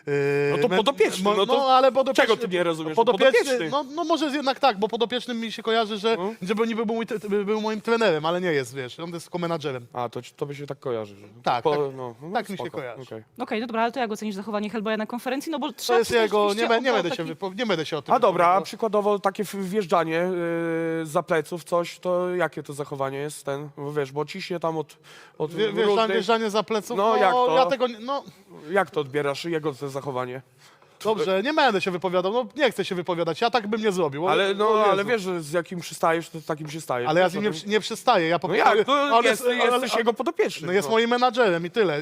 No to podopieczny, no to ale podopieczny, czego ty nie rozumiesz? Podopieczny, no może jednak tak, bo podopiecznym mi się kojarzy, że żeby niby był moim trenerem, ale nie jest, wiesz, on jest tylko menadżerem. A, to by się tak kojarzy. Że Tak, tak mi się spoko, kojarzy. okej. Okej, no dobra, ale to jak ocenisz zachowanie Hellboya na konferencji? No bo To trzeba jest przyznać jego, rzeczywiście, nie będę się o tym A dobra, a wypowiadał. przykładowo takie wjeżdżanie za pleców, coś, to jakie to zachowanie jest ten? Bo wiesz, bo ciśnie tam od różnych... Wjeżdżanie za pleców, No, jak to? ja tego, no Jak to odbierasz, jego to zachowanie? dobrze, nie będę się wypowiadał, no nie chcę się wypowiadać, ja tak bym nie zrobił. Ale, Jezu. ale wiesz, że z jakim przystajesz, to z takim się stajesz. Ale ja Wiesz z o nim tym? nie przestaję, ja po No prostu... jak? No on jesteś jego podopieczny. No jest moim menadżerem i tyle.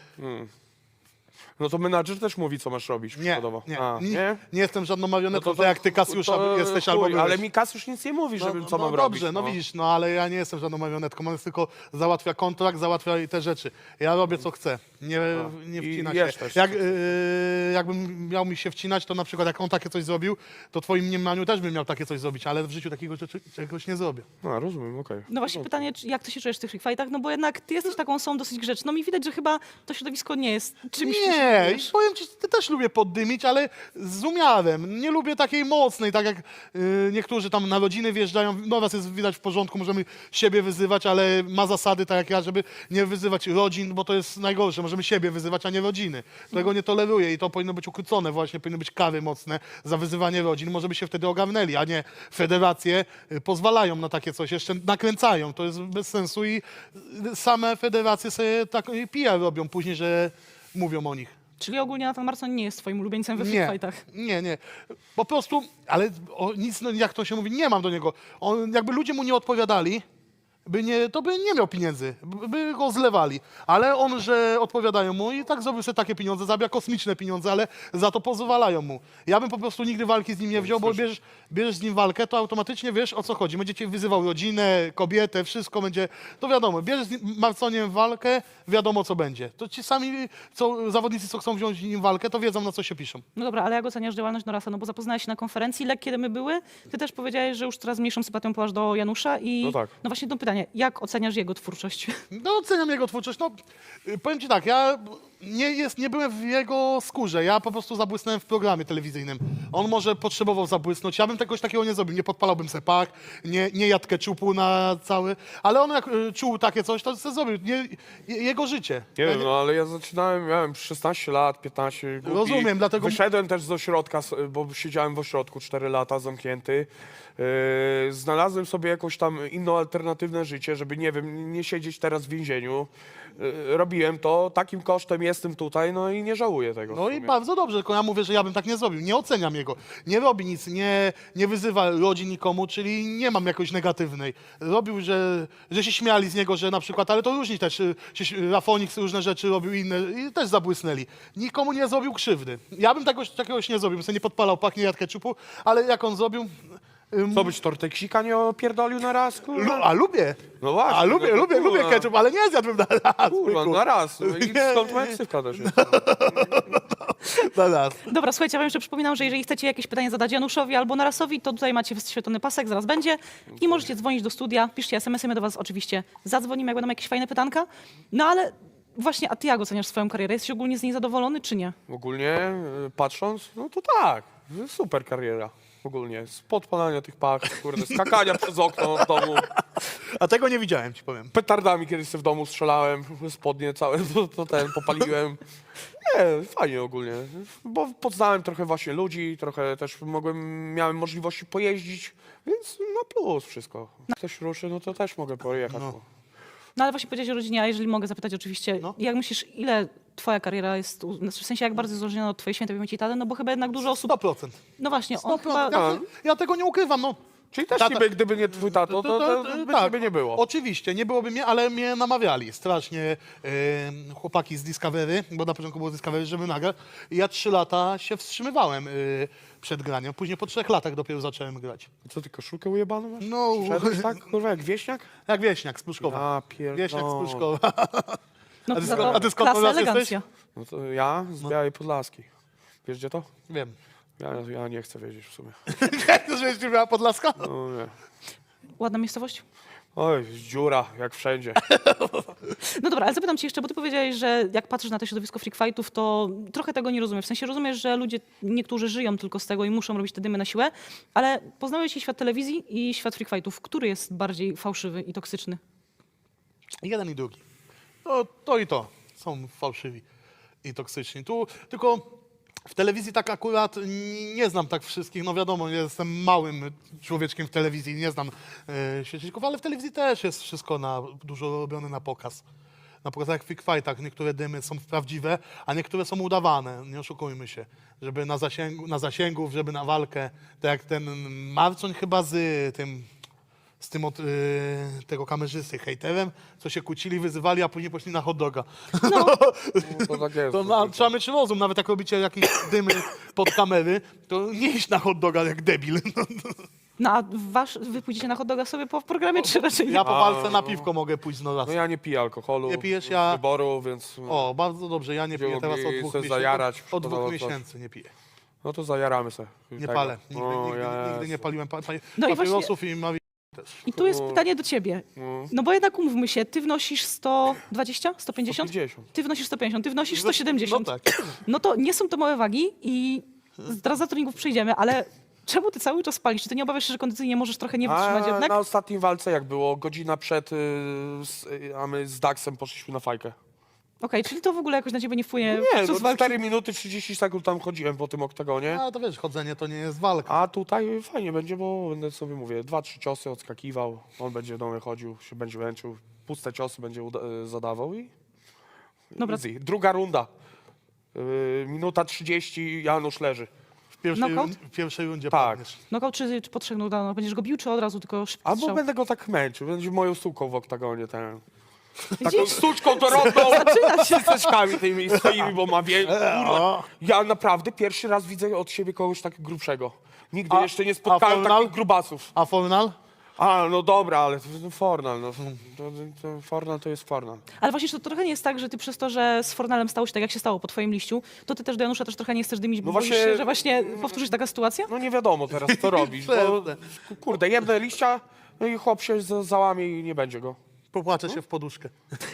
No to menadżer też mówi, co masz robić, Nie, przykładowo. nie, A, nie jestem żadną marionetką, No tak jak ty, Kasiusza, jesteś albo byłeś. ale mi Kasiusz nic nie mówi, żebym co mam dobrze, robić. no widzisz, no ale ja nie jestem żadną marionetką, on jest tylko załatwia kontrakt, załatwia i te rzeczy. Ja robię co chcę, nie I wcina jesz się. też. Jakbym miał mi się wcinać, to na przykład jak on takie coś zrobił, to w twoim mniemaniu też bym miał takie coś zrobić, ale w życiu takiego czegoś nie zrobię. A, rozumiem, okej. No właśnie pytanie, jak ty się czujesz w tych free fightach? No bo jednak ty jesteś taką osobą dosyć grzeczną i widać, że chyba to środowisko nie jest czymś, czym się Nie, i czujesz. powiem ci, ty też lubię poddymić, ale z umiarem. Nie lubię takiej mocnej, tak jak niektórzy tam na rodziny wjeżdżają. No was jest widać w porządku, możemy siebie wyzywać, ale ma zasady, tak jak ja, żeby nie wyzywać rodzin, bo to jest najgorsze. Możemy siebie wyzywać, a nie rodziny. Tego nie toleruję i to powinno być ukrócone właśnie, powinny być kary mocne za wyzywanie rodzin. Może by się wtedy ogarnęli, a nie federacje pozwalają na takie coś, jeszcze nakręcają. To jest bez sensu i same federacje sobie tak PR robią później, że mówią o nich. Czyli ogólnie Nathan Marson nie jest twoim ulubieńcem we free fightach. Nie. Po prostu, ale nic, no, jak to się mówi, nie mam do niego. On, jakby ludzie mu nie odpowiadali, to by nie miał pieniędzy, by go zlewali. Ale on, że odpowiadają mu i tak zrobił sobie takie pieniądze, zabija kosmiczne pieniądze, ale za to pozwalają mu. Ja bym po prostu nigdy walki z nim nie wziął, bo bierzesz z nim walkę, to automatycznie wiesz, o co chodzi. Będzie cię wyzywał rodzinę, kobietę, wszystko będzie, to wiadomo. Bierzesz z Marconiem walkę, wiadomo co będzie. To ci sami zawodnicy, co chcą wziąć z nim walkę, to wiedzą, na co się piszą. No dobra, ale jak oceniasz działalność Norasa? No bo zapoznałeś się na konferencji, kiedy my były. Ty też powiedziałeś, że już coraz mniejszą sympatią połasz do Janusza i No tak. no właśnie to pytanie, jak oceniasz jego twórczość? No, oceniam jego twórczość. No, powiem ci tak, ja nie byłem w jego skórze. Ja po prostu zabłysnąłem w programie telewizyjnym. On może potrzebował zabłysnąć. Ja bym czegoś takiego nie zrobił. Nie podpalałbym se pak, nie jadł keczupu na cały. Ale on jak czuł takie coś, to se zrobił. Jego życie. Nie wiem, no ale ja zaczynałem, miałem 16 lat, 15. Głupi. Rozumiem, dlatego- Wyszedłem też z ośrodka, bo siedziałem w ośrodku 4 lata zamknięty. Znalazłem sobie jakąś tam inną, alternatywne życie, żeby, nie wiem, nie siedzieć teraz w więzieniu. Robiłem to, takim kosztem jestem tutaj, no i nie żałuję tego. No w i sumie. bardzo dobrze, tylko ja mówię, że ja bym tak nie zrobił. Nie oceniam jego. Nie robi nic, nie wyzywa rodzin nikomu, czyli nie mam jakoś negatywnej. Robił, że się śmiali z niego, że na przykład, ale to różni też, Rafonix różne rzeczy robił inne i też zabłysnęli. Nikomu nie zrobił krzywdy. Ja bym czegoś nie zrobił, bym sobie nie podpalał pak, nie jadł keczupu, ale jak on zrobił... Co być torteksika nie opierdolił na raz, kurwa? A lubię. No właśnie. A lubię, no to lubię kurwa. ketchup, ale nie zjadłbym na raz. Kurwa, byku. na raz. No i Nie, skąd moja ksywka też jest? Na raz. Dobra, słuchajcie, ja wam jeszcze przypominam, że jeżeli chcecie jakieś pytanie zadać Januszowi albo Narasowi, to tutaj macie wyświetlony pasek, zaraz będzie i możecie dzwonić do studia, piszcie SMS-y, my do was oczywiście zadzwonimy, jak będą jakieś fajne pytanka. No ale właśnie, a ty jak oceniasz swoją karierę? Jesteś ogólnie z niej zadowolony, czy nie? Ogólnie patrząc, no to tak, super kariera. Ogólnie, z podpalania tych pach, kurde, skakania przez okno w domu, A tego nie widziałem, ci powiem. petardami kiedyś sobie w domu strzelałem, spodnie całe, to popaliłem. Nie, fajnie ogólnie, bo poznałem trochę właśnie ludzi, trochę też miałem możliwości pojeździć, więc na plus wszystko. Jak ktoś ruszy, no to też mogę pojechać. No ale właśnie powiedziałeś o rodzinie, a jeżeli mogę zapytać oczywiście, No. jak myślisz, ile twoja kariera jest, w sensie jak bardzo jest uzależniona od twojej świętej pamięci taty, no bo chyba jednak dużo osób, 100%. no właśnie, on 100%. chyba... Ja tego nie ukrywam, no. Czyli też Tata- gdyby nie twój tato, to by ciebie nie było. Oczywiście, nie byłoby mnie, ale mnie namawiali strasznie chłopaki z Discovery, bo na początku było Discovery, żeby nagrać. I ja 3 lata się wstrzymywałem przed graniem. Później po 3 latach dopiero zacząłem grać. Co ty, koszulkę ujebaną masz? No, Szedłeś tak, kurwa, jak wieśniak? jak Wieśniak z Pruszkowa. A, pierdolę. Wieśniak z Pruszkowa. No A ty za skąd- to a ty skąd klasa, u nas elegancja. No to ja z Białej Podlaskiej. Wiesz gdzie to? Wiem. Ja nie chcę wiedzieć w sumie. Jak to, żeś nie miała Podlaska? No nie. Ładna miejscowość? Oj, dziura, jak wszędzie. No dobra, ale zapytam cię jeszcze, bo ty powiedziałeś, że jak patrzysz na to środowisko freak fightów, to trochę tego nie rozumiesz. W sensie rozumiesz, że ludzie, niektórzy żyją tylko z tego i muszą robić te dymy na siłę, ale poznałeś i świat telewizji i świat freak fightów. Który jest bardziej fałszywy i toksyczny? Jeden i drugi. To i to są fałszywi i toksyczni. Tu tylko w telewizji tak akurat nie znam tak wszystkich. No wiadomo, jestem małym człowieczkiem w telewizji, nie znam świeczników, ale w telewizji też jest wszystko dużo robione na pokaz. Na przykład jak w Freak Fightach niektóre dymy są prawdziwe, a niektóre są udawane, nie oszukujmy się. Żeby na zasięgów, żeby na walkę. Tak jak ten Marcoń chyba z tym od tego kamerzysty, hejterem, co się kłócili, wyzywali, a później poszli na hot doga. No, to tak jest. Trzeba mieć rozum, nawet jak robicie jakieś dymy pod kamery, to nie iść na hot doga jak debil. No a wy pójdziecie na hot doga sobie po programie, czy raczej nie? Ja po walce na piwko mogę pójść raz. No ja nie piję alkoholu. Nie pijesz, z ja- wyboru, więc... O, bardzo dobrze, ja nie Gdzie piję teraz mogli od 2 se miesięcy. zajarać, Od 2 szkoda coś. miesięcy nie piję. No to zajaramy se. Nie palę. Nigdy Jezu. nie paliłem No i papierosów i mawi też. I tu jest pytanie do ciebie. No bo jednak umówmy się, ty wnosisz 120, 150? 150. Ty wnosisz 150, ty wnosisz 170. No tak. No to nie są to małe wagi i zaraz za treningów przejdziemy, ale czemu ty cały czas palisz? Czy ty nie obawiasz się, że kondycyjnie możesz trochę nie wytrzymać jednak? Na ostatniej walce jak było? Godzina przed, a my z Daxem poszliśmy na fajkę. Okej, czyli to w ogóle jakoś na ciebie nie wpłynie Nie, podczas no walki? 4 minuty 30 sekund tam chodziłem po tym oktagonie. Ale to wiesz, chodzenie to nie jest walka. A tutaj fajnie będzie, bo będę sobie mówię, 2-3 ciosy odskakiwał, on będzie do mnie chodził, się będzie męczył, puste ciosy będzie zadawał i Dobra. easy. Druga runda. Minuta 30, Janusz leży. Knockout? W pierwszej rundzie Tak. padniesz. Knockout czy po 3 knockdownach? Będziesz go bił, czy od razu tylko szybko Albo strzał? będę go tak męczył, będzie moją suką w oktagonie. Taką Widzisz? sztuczką to robią Zaczyna się. z ceczkami tymi swoimi, bo ma kurwa. Ja naprawdę pierwszy raz widzę od siebie kogoś tak grubszego. Nigdy A- jeszcze nie a spotkałem Fornal? takich grubasów. A Fornal? A, no dobra, ale to Fornal, no. To Fornal to jest Fornal. Ale właśnie to trochę nie jest tak, że ty przez to, że z Fornalem stało się tak, jak się stało po twoim liściu, to ty też do Janusza też trochę nie chcesz dymić, bo No boisz właśnie- się, że właśnie powtórzy się taka sytuacja? No nie wiadomo teraz, co robić, bo kurde, jebnę liścia, no i chłop się załamie i nie będzie go. Popłaczę się w poduszkę.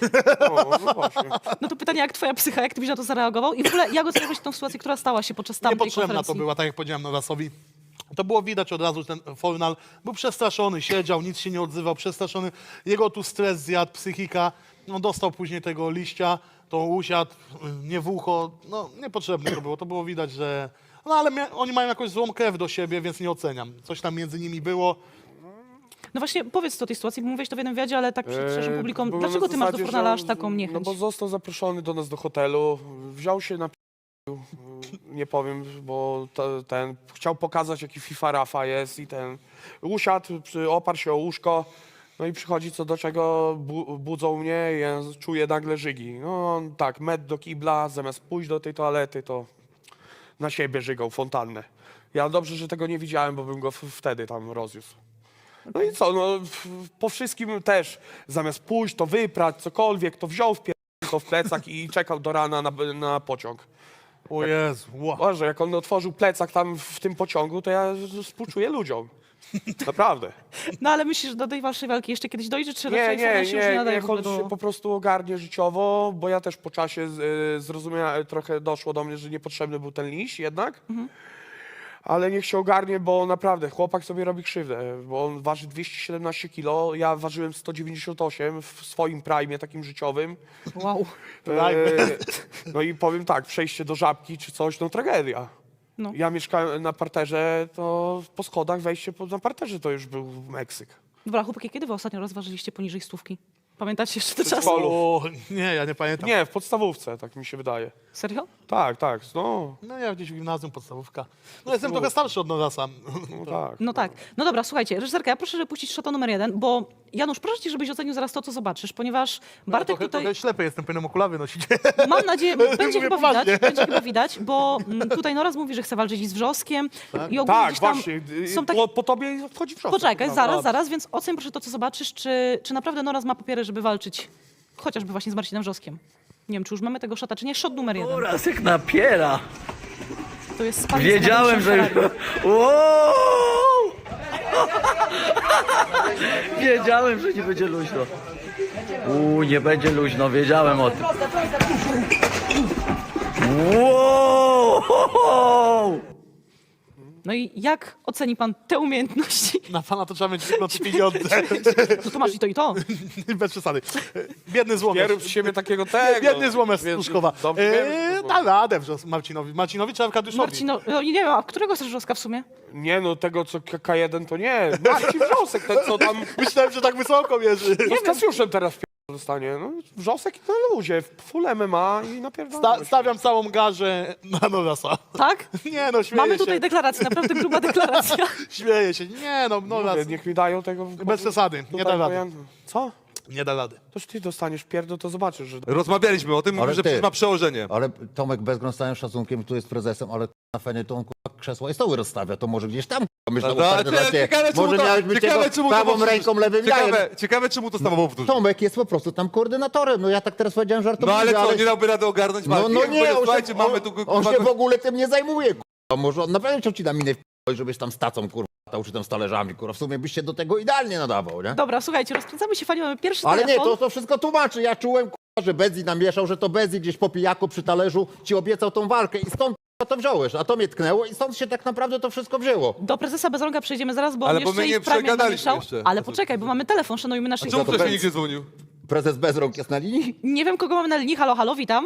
No właśnie. No to pytanie, jak twoja psycha, jak ty byś na to zareagował? I w ogóle jak oceniałeś tę sytuację, która stała się podczas tamtej Niepotrzebna konferencji? to była, tak jak powiedziałem Norasowi. To było widać od razu, że ten Fornal był przestraszony, siedział, nic się nie odzywał, przestraszony. Jego tu stres zjadł, psychika. No, dostał później tego liścia, to usiadł, nie w ucho. No, niepotrzebne to było. To było widać, że... No, ale oni mają jakąś złą krew do siebie, więc nie oceniam. Coś tam między nimi było. No właśnie, powiedz co o tej sytuacji, bo mówiłeś to w jednym wywiadzie, ale tak przed szerszym publiką. Było Dlaczego na ty masz do zasadzie, Fornala że aż taką niechęć? No bo został zaproszony do nas do hotelu, wziął się na nie powiem, bo ten chciał pokazać, jaki FIFA Rafa jest i ten usiadł, oparł się o łóżko, no i przychodzi co do czego, budzą mnie i ja czuję nagle żygi. No on tak, met do kibla, zamiast pójść do tej toalety, to na siebie żygał fontannę. Ja dobrze, że tego nie widziałem, bo bym go wtedy tam rozniósł. No i co, no po wszystkim też, zamiast pójść, to wyprać, cokolwiek, to wziął to w plecak i czekał do rana na pociąg. O Jezu, wow. Boże, jak on otworzył plecak tam w tym pociągu, to ja współczuję ludziom. Naprawdę. No ale myślisz, że do tej waszej walki jeszcze kiedyś dojdzie, czy Nie, raczej Fornal się już nie nadaje niech w ogóle on do... się po prostu ogarnie życiowo, bo ja też po czasie zrozumiałem, trochę doszło do mnie, że niepotrzebny był ten liść jednak. Ale niech się ogarnie, bo naprawdę chłopak sobie robi krzywdę, bo on waży 217 kg, ja ważyłem 198 w swoim prime takim życiowym. Wow. No i powiem tak, przejście do Żabki czy coś, no tragedia. No. Ja mieszkałem na parterze, to po schodach wejście na parterze to już był Meksyk. Dobra, chłopaki, kiedy wy ostatnio rozważyliście poniżej 100? Pamiętacie jeszcze te czasy? Przedszkolu. O, nie, ja nie pamiętam. Nie, w podstawówce, tak mi się wydaje. Serio? Tak, no, No ja gdzieś w gimnazjum, podstawówka. No jestem trochę starszy od Norasa. no tak. No tak. No dobra, słuchajcie, reżyserka, ja proszę, żeby puścić szota numer 1, bo Janusz, proszę cię, żebyś ocenił zaraz to, co zobaczysz, ponieważ Bartek tutaj... Trochę ślepy jestem, powinienem okulary nosić. Mam nadzieję, będzie Mówię chyba poważnie. widać, będzie chyba widać, bo tutaj Noraz mówi, że chce walczyć z Wrzoskiem i ogólnie Tak, gdzieś tam właśnie, są takie... po tobie wchodzi w Poczekaj, zaraz, więc oceń proszę to, co zobaczysz, czy naprawdę Noraz ma papiery, żeby walczyć chociażby właśnie z Marcinem Wrzoskiem. Nie wiem, czy już mamy tego szota, czy nie. Szot numer 1. Oraz jak napiera. To jest sparring z Wiedziałem, że... Mateuszem Ferrari. Wow! Wiedziałem, że nie będzie luźno. Nie będzie luźno, wiedziałem o tym. Wow! No i jak oceni pan te umiejętności? Na pana to trzeba mieć wygląd pieniądze. No to masz i to i to. Bez przesady. Biedny złomierz. Pierw z siebie takiego tego. Biedny złomierz z Więc Pruszkowa. dobrze wiemy, Da radę Marcinowi. Marcinowi czy Arkadiuszowi? Marcino, no nie wiem, a którego chcesz Wrzoska w sumie? Nie no, tego co K1 to nie. Marcin Wrzosek, ten co tam... Myślałem, że tak wysoko mierzy. No z Kasiuszem teraz dostanie. No, Wrzosek i na luzie, full MMA i napierdolę. Stawiam całą garzę na Norasa. Tak? Nie no, śmieję Mamy się. tutaj deklarację, naprawdę gruba deklaracja. Śmieję się. Nie no, Noras. Mówię, niech mi dają tego... Bez przesady. Nie tutaj, da bo rady. ja- Co? Nie da rady. Toż ty dostaniesz pierdol, to zobaczysz, że... Rozmawialiśmy o tym, mówił, Ale że ty- przecież ma przełożenie. Ale Tomek Bezgron z całym szacunkiem tu jest prezesem, ale na fenie to on krzesła i stoły rozstawia, to może gdzieś tam myślę, może miałeś być jego prawą ręką, lewym jajem. Ciekawe, czemu to samo powtórzył. Tomek jest po prostu tam koordynatorem, no ja tak teraz powiedziałem No żartobliwie, ale co, nie dałby rady ogarnąć No, walki? no Jak nie, powie, on słuchajcie, się, mamy tu... on się w ogóle tym nie zajmuje, kurwa. Może on naprawdę chciał ci na minę żebyś tam z tacą, kurwa, czy tam z talerzami, kurwa. W sumie byś się do tego idealnie nadawał, nie? Dobra, słuchajcie, rozkręcamy się fani, mamy pierwszy Ale nie, telefon. to wszystko tłumaczy. Ja czułem, kurwa, że Bezzi namieszał, że to Bezzi gdzieś po pijaku przy talerzu ci obiecał tą walkę i stąd kurwa, to wziąłeś, a to mnie tknęło i stąd się tak naprawdę to wszystko wzięło. Do prezesa Bezronga przejdziemy zaraz, bo Ale on bo jeszcze my i nie w Prime przegadaliśmy namieszał. jeszcze. Ale poczekaj, bo mamy telefon, szanujmy naszych Czemu widzów. ktoś mi nikt nie dzwonił? Prezes Bezrąk jest na linii? Nie wiem, kogo mamy na linii. Halo, halo, witam.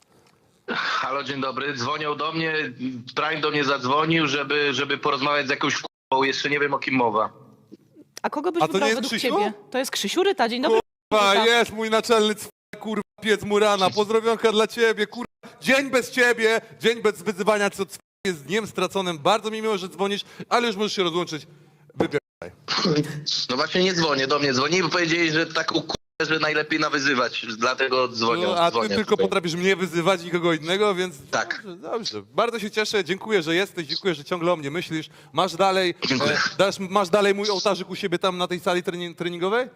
Halo, dzień dobry. Dzwonią do mnie, Prime do mnie zadzwonił, żeby porozmawiać z jakąś k***ą. Jeszcze nie wiem, o kim mowa. A kogo byś A to wybrał nie jest według Krzysiu? ciebie? To jest Krzysiu Ryta, dzień dobry. Kurwa, Ryta. jest mój naczelny kurwa, piec Murana. Pozdrowionka dla ciebie, kurwa. Dzień bez ciebie, dzień bez wyzywania, co jest dniem straconym. Bardzo mi miło, że dzwonisz, ale już możesz się rozłączyć. Wybieraj. No właśnie nie dzwonię, do mnie dzwoni, bo powiedzieli, że tak że najlepiej nawyzywać, dlatego dzwonią. No, a ty dzwonię tylko tutaj. potrafisz mnie wyzywać, nikogo innego, więc Tak. dobrze, dobrze. Bardzo się cieszę, dziękuję, że jesteś, dziękuję, że ciągle o mnie myślisz. Masz dalej, Dziękuję. masz dalej mój ołtarzyk u siebie tam na tej sali treningowej?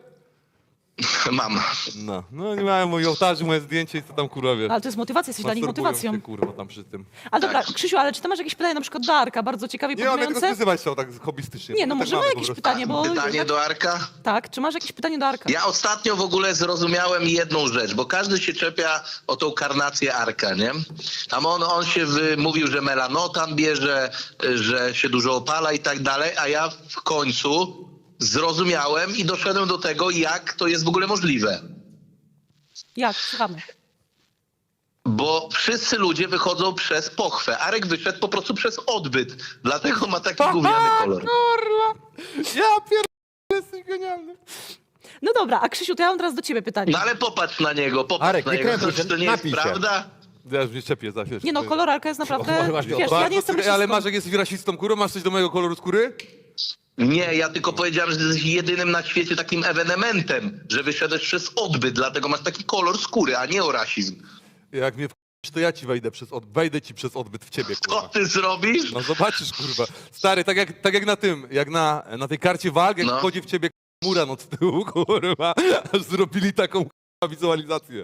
Mam. No nie miałem mój ołtarzyk, moje zdjęcie i co tam kurwa wiesz. Ale to jest motywacja, jesteś dla nich Masturbują motywacją. się, kurwa, tam przy tym. Ale dobra, Krzysiu, ale czy ty masz jakieś pytanie na przykład do Arka, bardzo ciekawie Nie mam jak podmające? rozwiązywać się tak hobbystycznie. Nie, no tak może ma mamy po jakieś prostu. pytanie, bo... Pytanie do Arka? Tak, czy masz jakieś pytanie do Arka? Ja ostatnio w ogóle zrozumiałem jedną rzecz, bo każdy się czepia o tą karnację Arka, nie? Tam on się mówił, że melanotan bierze, że się dużo opala i tak dalej, a ja w końcu zrozumiałem i doszedłem do tego, jak to jest w ogóle możliwe. Jak? Słuchamy. Bo wszyscy ludzie wychodzą przez pochwę. Arek wyszedł po prostu przez odbyt. Dlatego ma taki gówniany kolor. Kurwa! Ja pierdolę, jesteś genialny. No dobra, a Krzysiu, to ja mam teraz do ciebie pytanie. No ale popatrz na niego, popatrz Arek, na nie niego. krępuj się, To nie jest napij się. prawda? Ja już mnie czepię za chwilę. Nie no, kolor Arka jest naprawdę... właśnie Wiesz, ja nie jestem Ale rasistką. masz, jak jesteś rasistą, kurwa, masz coś do mojego koloru skóry? Nie, ja tylko powiedziałem, że jesteś jedynym na świecie takim ewenementem, że wyszedłeś przez odbyt, dlatego masz taki kolor skóry, a nie o rasizm. Jak mnie wkurzysz, to ja ci wejdę ci przez odbyt w ciebie, Co kurwa. ty zrobisz? No zobaczysz, kurwa. Stary, tak jak na tym, jak na tej karcie walk, jak No. wchodzi w ciebie Muran od tyłu, kurwa, aż zrobili taką kurwa, wizualizację.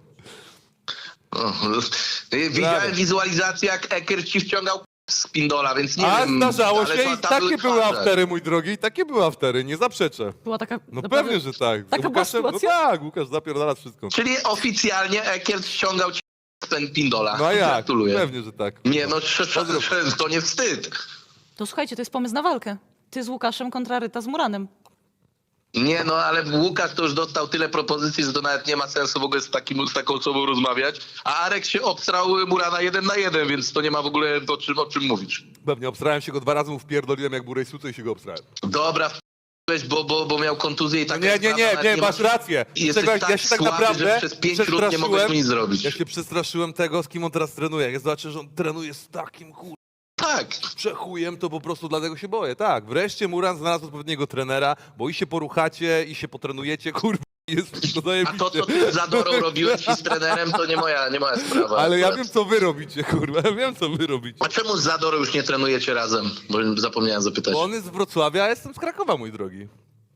O, widziałem wizualizację, jak Eker ci wciągał z pindola, więc nie A wiem. zdarzało ale się to i tam takie były twarze. aftery, mój drogi, i takie były aftery, nie zaprzeczę. Była taka... No naprawdę- pewnie, że tak. Z Taka była Łukaszem, no sytuacja? tak, Łukasz zapierdala wszystko. Czyli oficjalnie Eker ściągał ci ten pindola. No a jak? Gratuluję. Pewnie, że tak. Nie no, to nie wstyd. To słuchajcie, to jest pomysł na walkę. Ty z Łukaszem kontra Ryta z Muranem. Nie no, ale Łukasz to już dostał tyle propozycji, że to nawet nie ma sensu w ogóle z taką osobą rozmawiać. A Arek się obstrał Murana 1 na 1, więc to nie ma w ogóle o czym mówić. Pewnie, obstrałem się go 2 razy, mu wpierdoliłem jak burej suce i się go obstrałem. Dobra, bo miał kontuzję i tak. Nie, masz rację. I jesteś Czego, tak ja się tak słaby, naprawdę że przez 5 minut nie mogłeś mu nic zrobić. Ja się przestraszyłem tego, z kim on teraz trenuje. Jak zobaczę, że on trenuje z takim Tak. przechujem, to po prostu dlatego się boję. Tak, wreszcie Muran znalazł odpowiedniego trenera, bo i się poruchacie, i się potrenujecie, kurwa, jest wszystko A zajebiście. to, co ty z Zadorą robiłeś i z trenerem, to nie moja sprawa. Ale ja akurat. wiem, co wy robicie, kurwa, ja wiem, co wy robicie. A czemu z Zadorą już nie trenujecie razem? Bo zapomniałem zapytać. Bo on jest z Wrocławia, a jestem z Krakowa, mój drogi.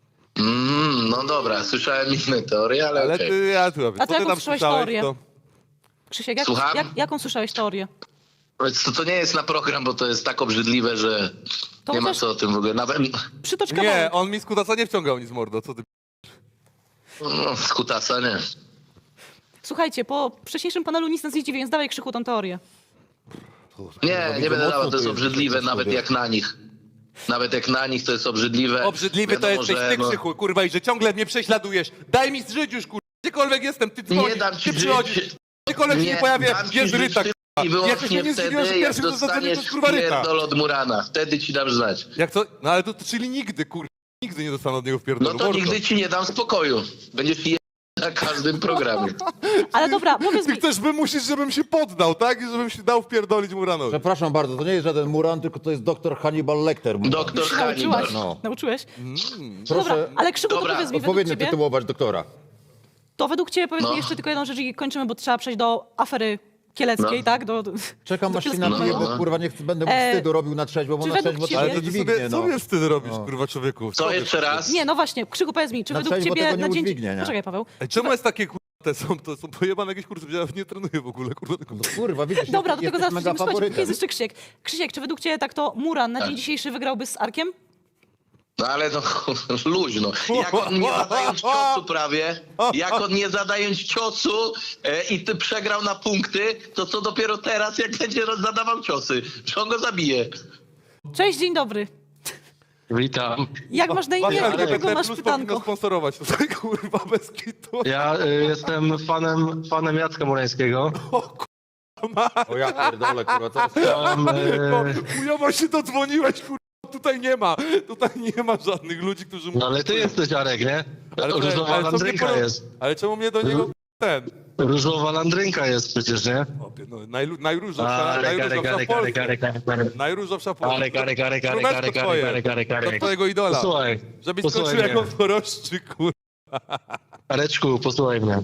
No dobra, słyszałem inne teorie, ale Ale okej. ty, ja tu A co jaką ty tam słyszałeś słyszałeś, teorię? to... Krzysiek, Słucham? jaką słyszałeś teorię? To nie jest na program, bo to jest tak obrzydliwe, że To Nie ma chociaż co o tym w ogóle. Nawet przytocz Nie, kawałek. on mi z kutasa nie wciągał nic mordo, co ty... no, z kutasa nie. Słuchajcie, po wcześniejszym panelu nic nas nie dziwi, więc dawaj Krzychu tą teorię. Nie będę dawał, to jest obrzydliwe, nawet jak na nich. Nawet jak na nich to jest obrzydliwe. Obrzydliwy to Wiadomo, jesteś że, ty, Krzychu, kurwa, i że ciągle mnie prześladujesz. Daj mi żyć już, kurwa. Gdziekolwiek jestem, ty dzwonisz, Nie dam ci ty przychodzisz. żyć. Gdziekolwiek się nie pojawia, dam ci jest żyć Ryta, tylko kurwa. i Ja się wyłącznie nie zdziwiłem, że wtedy, jak pierwszym to zadzwonił, to dostaniesz jest kurwa Ryta. pierdol od Murana. Wtedy ci dam znać. Jak to? No ale to czyli nigdy, kurwa. Nigdy nie dostanę od niego w No pierdolu. to mordo. nigdy ci nie dam spokoju. Będziesz je na każdym programie. Ale dobra, powiedz Ty mi, chcesz wymusić, żebym się poddał, tak? I żebym się dał wpierdolić Muranowi. Przepraszam bardzo, to nie jest żaden Muran, tylko to jest doktor Hannibal Lecter. Doktor Hannibal. nauczyłaś? No. Nauczyłeś? Proszę Dobra, ale Krzychu, to Dobra, powiedz mi, według odpowiednio ciebie, tytułować doktora. to według ciebie powiedz No. mi jeszcze tylko jedną rzecz i kończymy, bo trzeba przejść do afery kieleckiej, No. tak? Czekam do aż się Kieleckiego. napije, No. bo kurwa nie chcę, będę mu wstydu robił na trzeźwo, bo czy na według trzeźwo to ciebie- Ale się to nie ty dźwignie, sobie, no. sobie wstyd robisz, kurwa, człowieku. Co jeszcze raz? Nie, no właśnie, Krzychu, powiedz mi, czy Na według trzeźwo ciebie tego na nie dzień... udźwignie, nie? Poczekaj, Paweł. Ej, czemu jest takie, kurwa, to są pojebane jakieś kursy, ja nie trenuję w ogóle, kurwa. Tylko... Kurwa, widzisz, Dobra, do tego jesteś zaraz mega przejdziemy. Słuchajcie, póki jest faworytem. jeszcze Krzysiek. Krzysiek, czy według ciebie tak to Muran na Tak. dzień dzisiejszy wygrałby z Arkiem? No ale no luźno. Jak on nie zadając ciosu prawie, jak on nie zadając ciosu i ty przegrał na punkty, to co dopiero teraz, jak będzie zadawał ciosy, że on go zabije. Cześć, dzień dobry. Witam. Jak masz na imię Właśnie i do kogo LGBT masz Plus powinno pytanko? sponsorować tutaj, kurwa, bez kitu. Ja jestem fanem Jacka Murańskiego. O ja pierdolę, kurwa, co jest? Chciałem, Chujowo się dodzwoniłeś, kurwa. Tutaj nie ma żadnych ludzi, którzy... no ale ty jesteś Jarek, nie? Różowa co mnie landrynka poro- jest. Ale czemu mnie do niego ten... Różowa landrynka jest przecież, nie? No, najróżowsza w Polsce. Najróżowsza w Polsce. Królewsko twoje. Do twojego idola. Posłuchaj, Żebyś posłuchaj skończył jak mnie. on dorożczy, kurwa. Areczku, posłuchaj mnie.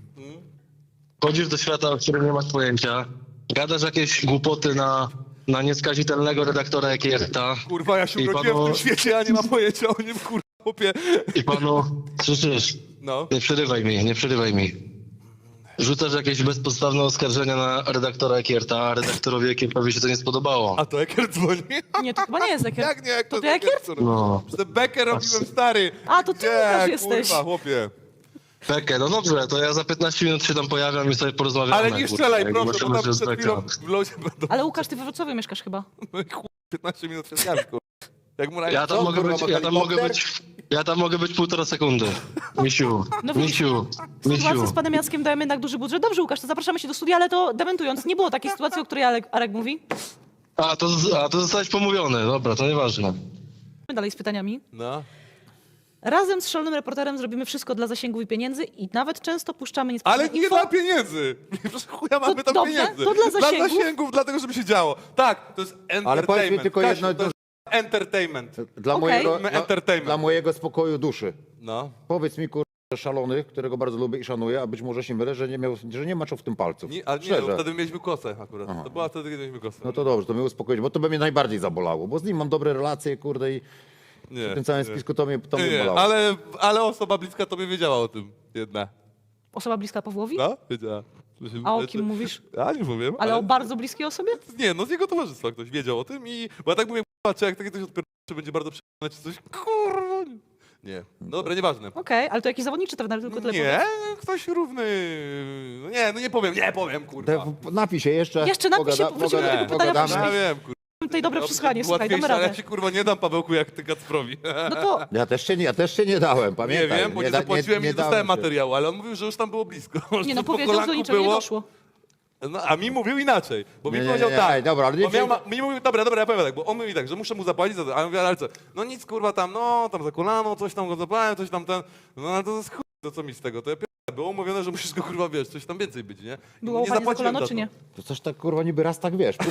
Chodzisz do świata, o którym nie masz pojęcia. Gadasz jakieś głupoty na nieskazitelnego redaktora jak Jerta. Kurwa, ja się I urodziłem panu- w tym świecie, a nie mam pojęcia o nim, kurwa, chłopie. I panu, słyszysz? No. Nie przerywaj mi. Rzucasz jakieś bezpodstawne oskarżenia na redaktora Ekierta, a redaktorowi Ekiertowi się to nie spodobało. A to Eker dzwoni? Nie, to chyba nie jest Ekier. Jak nie, jak To to ty Ekier? No. Że Becker robiłem, stary. A, to ty Gdzie, Łukasz jesteś. kurwa, chłopie. Pekę, no dobrze, to ja za 15 minut się tam pojawiam i sobie porozmawiamy. Ale nie strzelaj, kurwa, proszę, bo zobaczymy, tam że jest przed chwilą beka. w lodzie będą... Ale Łukasz, ty we Wrocławiu mieszkasz chyba. No i chuj, 15 minut przed jazdą, kurwa. Jak mu Ja tam Co, mogę kurwa, być, ma ja tam mogę być 1,5 sekundy. Misiu, No widzisz, Misiu, Sytuacja Misiu. z panem Jackiem dajemy jednak duży budżet. Dobrze, Łukasz, to zapraszamy się do studia, ale to dementując, nie było takiej sytuacji, o której Arek mówi. A to zostałeś pomówiony, dobra, to nieważne. Dalej z pytaniami. No. Razem z szalonym reporterem zrobimy wszystko dla zasięgów i pieniędzy i nawet często puszczamy Ale niespecjalne nie info. dla pieniędzy. Proszę chuja mamy tam dobrze, pieniędzy. to dla zasięgów. Dla zasięgów, dlatego żeby się działo. Tak, to jest entertainment. Ale powiedz mi tylko Kasiu, jedno, to jest entertainment. Dla, Okej. mojego, Entertainment. dla mojego spokoju duszy. No. Powiedz mi, kurwa, że szalony, którego bardzo lubię i szanuję, a być może się mylę, że nie maczał w tym palców. Ale nie, Szczerze. no, wtedy mieliśmy kosę akurat. To była wtedy, kiedy mieliśmy kosę. No to dobrze, to mnie uspokoić, bo to by mnie najbardziej zabolało, bo z nim mam dobre relacje, kurde, i Nie, w tym całym nie. spisku to mnie Nie, bolało. ale osoba bliska tobie wiedziała o tym. Jedna. Osoba bliska Pawłowi? No, wiedziała. A o kim mówisz? Ja nie powiem. Ale o bardzo bliskiej osobie? Nie, no z jego towarzystwa ktoś wiedział o tym i... Bo ja tak mówię, czy jak takie coś odpierdolę, czy będzie bardzo przyjemne, czy coś... Kurwa. Nie. No dobra, nieważne. Okej, ale to jakiś zawodniczy trener, tylko tyle Nie, powiedz. ktoś równy. No nie, no nie powiem, kurwa. Napij się jeszcze. Jeszcze napij się, wrócimy do tego pytania Ja później. wiem, kurwa. Tutaj dobre przesłuchanie, słuchaj, damy Łatwiejsze, ale radę. ja się kurwa nie dam Pawełku jak ty Kacprowi. No to Ja też się nie dałem, Nie pamiętaj. wiem, bo nie zapłaciłem i nie dałem dostałem się. materiału, ale on mówił, że już tam było blisko. nie no, Że po powiedział, że do kolanku niczego nie było. doszło. No, a mi mówił inaczej, bo mi Nie, nie, powiedział nie, tak. ej, dobra, ale nie bo miał, wzięli- mi mówił, dobra, ja powiem tak, bo on mówi tak, że muszę mu zapłacić za to, a ja mówię, ale co? No nic kurwa tam, no tam za kolano, coś tam go zapałem, coś tam ten, no ale to jest chuj, to co mi z tego, to ja było mówione, że musisz go kurwa, wiesz, coś tam więcej być, nie? I Było nie łapanie za zapłaciłem kolano, za czy to. nie? To coś tak kurwa niby raz tak wiesz.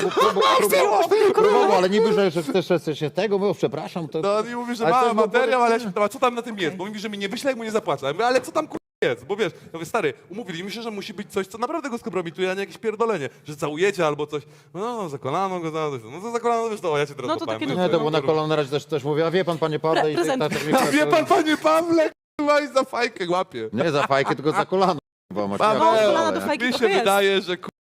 Próbował, ale niby, że chcesz się tego, mówił, przepraszam. To... No on mi mówi, że Ale to ma jest materiał, ale ja się pytam, a co tam na tym jest? Bo mówi, że mi nie wyśle, jak mu nie zapłacę. Ja mówię, ale co tam kurwa jest? Bo wiesz, ja mówię, stary, umówiliśmy się, że musi być coś, co naprawdę go skompromituje, a nie jakieś pierdolenie, że całujecie albo coś. No, za kolano go, no to za kolano, wiesz, to ja cię teraz No to złapałem. takie Nie, to było na kolano na razie też mówię, a wie pan, panie Pawle, Prezent. A wie pan, panie Pawle, kurwa, i za fajkę łapie. Nie za fajkę, tylko za kolano. Chyba masz Paweł, No, od kolana do nie? fajki Mi trochę się jest. wydaje, że kurwa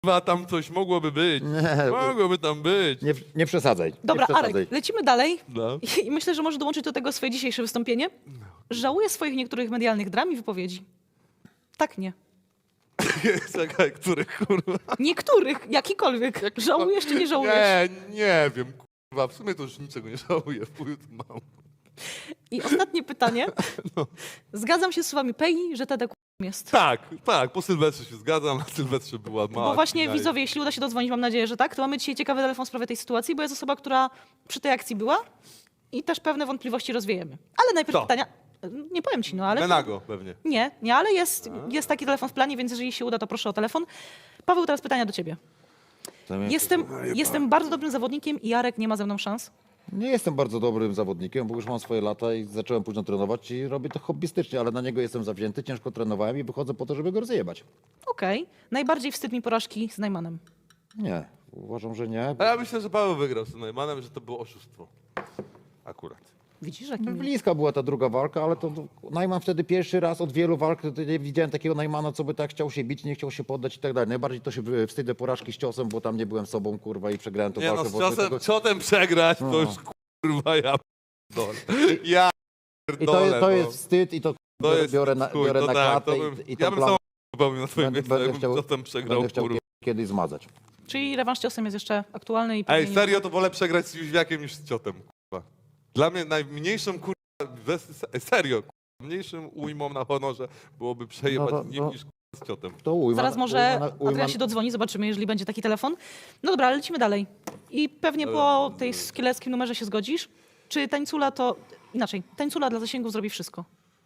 kurwa, tam coś mogłoby być. Nie, Mogłoby tam być. nie przesadzaj. Dobra, nie przesadzaj. Arek, lecimy dalej. No. I myślę, że może dołączyć do tego swoje dzisiejsze wystąpienie. Żałuję swoich niektórych medialnych dram i wypowiedzi. Tak, nie. Czekaj, których kurwa? Niektórych, jakikolwiek. Żałujesz czy nie żałujesz? Nie wiem, kurwa, w sumie to już niczego nie żałuję, w chuju to mam. I ostatnie pytanie. Zgadzam się z słowami Pei, że Tedek jest. Tak, po Sylwestrze się zgadzam, na Sylwestrze była mała. Bo właśnie kpina i- widzowie, jeśli uda się dodzwonić, mam nadzieję, że tak, to mamy dzisiaj ciekawy telefon w sprawie tej sytuacji, bo jest osoba, która przy tej akcji była i też pewne wątpliwości rozwiejemy. Ale najpierw Kto? pytania. Nie powiem ci, no ale. Menago pewnie. Nie, ale jest taki telefon w planie, więc jeżeli się uda, to proszę o telefon. Paweł, teraz pytania do ciebie. Jestem bardzo dobrym zawodnikiem i Jarek nie ma ze mną szans. Nie jestem bardzo dobrym zawodnikiem, bo już mam swoje lata i zacząłem późno trenować i robię to hobbystycznie, ale na niego jestem zawzięty, ciężko trenowałem i wychodzę po to, żeby go rozjebać. Okej. Najbardziej wstyd mi porażki z Najmanem. Nie, uważam, że nie. A ja myślę, że Paweł wygrał z Neumannem, że to było oszustwo. Akurat. Widzisz, jaki miły. Bliska była ta druga walka, ale to Najman wtedy pierwszy raz od wielu walk, to nie widziałem takiego Najmana, co by tak chciał się bić, nie chciał się poddać i tak dalej. Najbardziej to się wstydzę porażki z ciosem, bo tam nie byłem sobą, kurwa, i przegrałem tą Nie no, walkę. z bo ciosem, tego- ciotem przegrać, to już kurwa ja pierdolę. Ja I pierdolę, to no. jest wstyd i to, To jest biorę na, chuj, biorę to na tak, klatę to bym, i ja tą bym plamę sam popełnił na twoim miejscu, będę jakbym chciał, ciotem przegrał, będę chciał kurwa. kiedyś zmazać. Czyli rewanż ciosem jest jeszcze aktualny i Ej, pewnie nie- serio, to wolę przegrać z Jóźwiakiem niż z ciotem, kurwa. Dla mnie najmniejszą, kurwa, serio, kurwa, mniejszym ujmą na honorze byłoby przejebać No to- nim no. niż kurwa, z ciotem. To ujma, Zaraz może ujma- Adrian się dodzwoni, zobaczymy, jeżeli będzie taki telefon. No dobra, ale lecimy dalej. I pewnie po tej skieleckim numerze się zgodzisz. Czy Tańcula to... Inaczej, Tańcula dla zasięgów zrobi wszystko.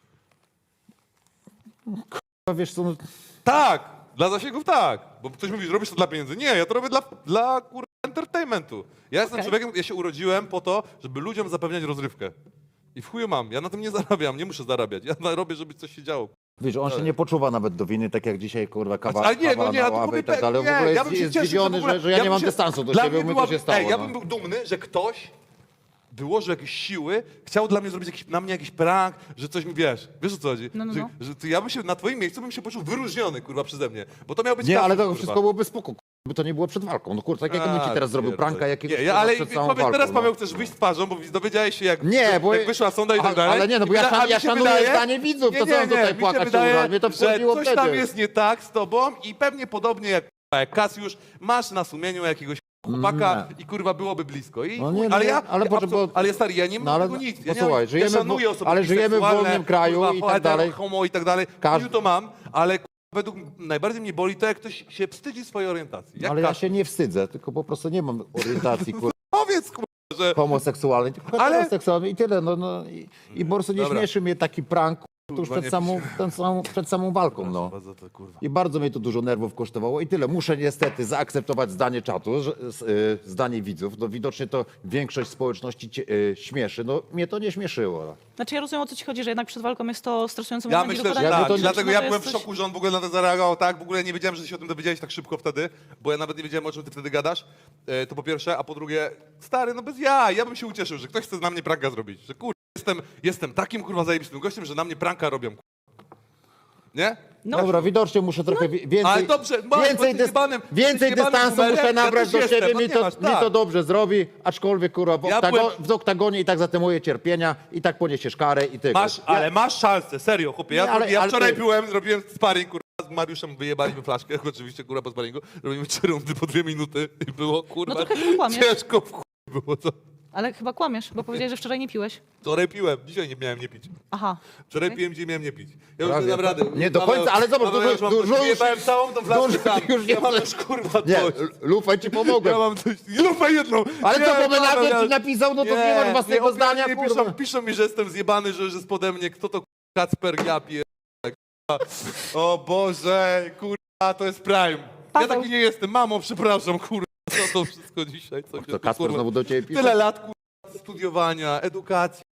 Wiesz co, no, Tak, dla zasięgów tak, bo ktoś mówi, robisz to dla pieniędzy. Nie, ja to robię dla kurwa, entertainmentu. Ja jestem Okej. człowiekiem, ja się urodziłem po to, żeby ludziom zapewniać rozrywkę. I w chuju mam, ja na tym nie zarabiam, nie muszę zarabiać. Ja robię, żeby coś się działo. wiesz, on się nie poczuwa nawet do winy, tak jak dzisiaj, kurwa, kawa, Ale nie, kawa no nie, na ja to ławę mówię, i tak dalej. W nie, ogóle ja bym się jest cieszył, zdziwiony, w ogóle- że ja nie bym mam się- dystansu do dla siebie, mnie my to byłaby- się stało. Ej, ja no. bym był dumny, że ktoś wyłożył jakieś siły, chciał dla mnie zrobić na mnie jakiś prank, że coś mi wiesz o co chodzi? No. Że to ja bym się na twoim miejscu bym się poczuł wyróżniony, kurwa, przeze mnie. Bo to miał być Nie, kasus, ale to kurwa. wszystko byłoby spoko, kurwa, by to nie było przed walką. No kurwa, tak jakbym ci teraz zrobił pierdolę. pranka jakiegoś Nie, kurwa, ale przed całą powiedz walką. teraz, Paweł, no. chcesz wyjść z twarzą, bo dowiedziałeś się, jak, Nie, bo... jak wyszła sonda i tak dalej. Ale nie, no bo I ja, a mi ja się szanuję wydaje- zdanie widzów, to co mam tutaj mi się płakać się wydaje, uraz. Mnie to wkurwiło że coś wtedy. tam jest nie tak z tobą i pewnie podobnie jak Kasiusz, masz na sumieniu jakiegoś chłopaka i kurwa byłoby blisko. I, No nie, ale nie, ja, ale ja poczekaj, bo- ale stary, ja nie mam No ale- tego nic. no słuchaj, ja żyjemy w- szanuję osoby ale żyjemy w biseksualne, wolnym kraju kurwa, i tak hetero, dalej. homo i tak dalej. Każdy- To mam, ale kurwa, według najbardziej mnie boli to, jak ktoś się wstydzi swojej orientacji. Jak Ale ja Kasiusz. się nie wstydzę, tylko po prostu nie mam orientacji, kurwa, Powiedz, kurwa, że... homoseksualnej, tylko Ale- heteroseksualnej i tyle, I po prostu nie Dobra. śmieszy mnie taki prank, tuż Kurwa, przed samą walką, no. Bardzo to, kurwa. I bardzo mnie to dużo nerwów kosztowało i tyle. Muszę niestety zaakceptować zdanie czatu, zdanie widzów. No widocznie to większość społeczności śmieszy. No mnie to nie śmieszyło. No. Znaczy ja rozumiem, o co ci chodzi, że jednak przed walką jest to stresujący Ja moment. myślę, że Ja- tak. to nie- Dlatego no ja to byłem w jesteś- szoku, że on w ogóle na to zareagował tak. W ogóle nie wiedziałem, że się o tym dowiedziałeś tak szybko wtedy, bo ja nawet nie wiedziałem, o czym ty wtedy gadasz. To po pierwsze, a po drugie, stary, no bez ja. Ja bym się ucieszył, że ktoś chce na mnie pranka zrobić. Że kurwa, jestem takim kurwa zajebistym gościem, że na mnie pranka robią. Kurwa. Nie? No. Dobra, widocznie muszę trochę więcej, Ale dobrze, bo więcej, jesteś jebanym- więcej jesteś jebanym dystansu numerem, muszę ja nabrać też do jestem, siebie, no mi nie to, masz, mi to tak. dobrze zrobi, aczkolwiek kurwa Ja w oktagonie i tak za te moje cierpienia i tak poniesiesz karę i ty. Ale masz szansę, serio, chłopie. Ja, Nie, ale- ja ale wczoraj ty- zrobiłem sparring, kurwa, z Mariuszem wyjebaliśmy flaszkę, oczywiście, kurwa, po sparingu. Robimy 3 rundy po 2 minuty i było, kurwa, No trochę chyba kłamiesz. ciężko w chuj było, co? Ale chyba kłamiesz, bo powiedziałeś, że wczoraj nie piłeś. Wczoraj piłem, dzisiaj nie miałem nie pić. Aha. Wczoraj Okej. piłem, dzisiaj miałem nie pić. Ja już Prawie. nie dam rady. Nie do końca, ale zobacz, Paweł, ja już mam dużo już- wyjebałem całą tą flaszkę dużo sam. już nie Ja mam chcę. już, kurwa, Nie, dość. Lufaj ci pomogłem. Ja mam coś, lupę jedną. Ale Nie, co, bo Paweł, Menago ja- ci napisał, no to nie masz własnego nie, zdania, nie, kurwa. piszą mi, że jestem zjebany, że jest pode mnie. Kto to Kacper, ja pierdolę, kurwa. O Boże, kurwa, to jest prime. Ja Paweł. taki nie jestem. Mamo, przepraszam, kurwa, co to wszystko dzisiaj? Co się To tu, Kasper kurwa, znowu do ciebie pisze. Tyle lat, kurwa, studiowania, edukacji,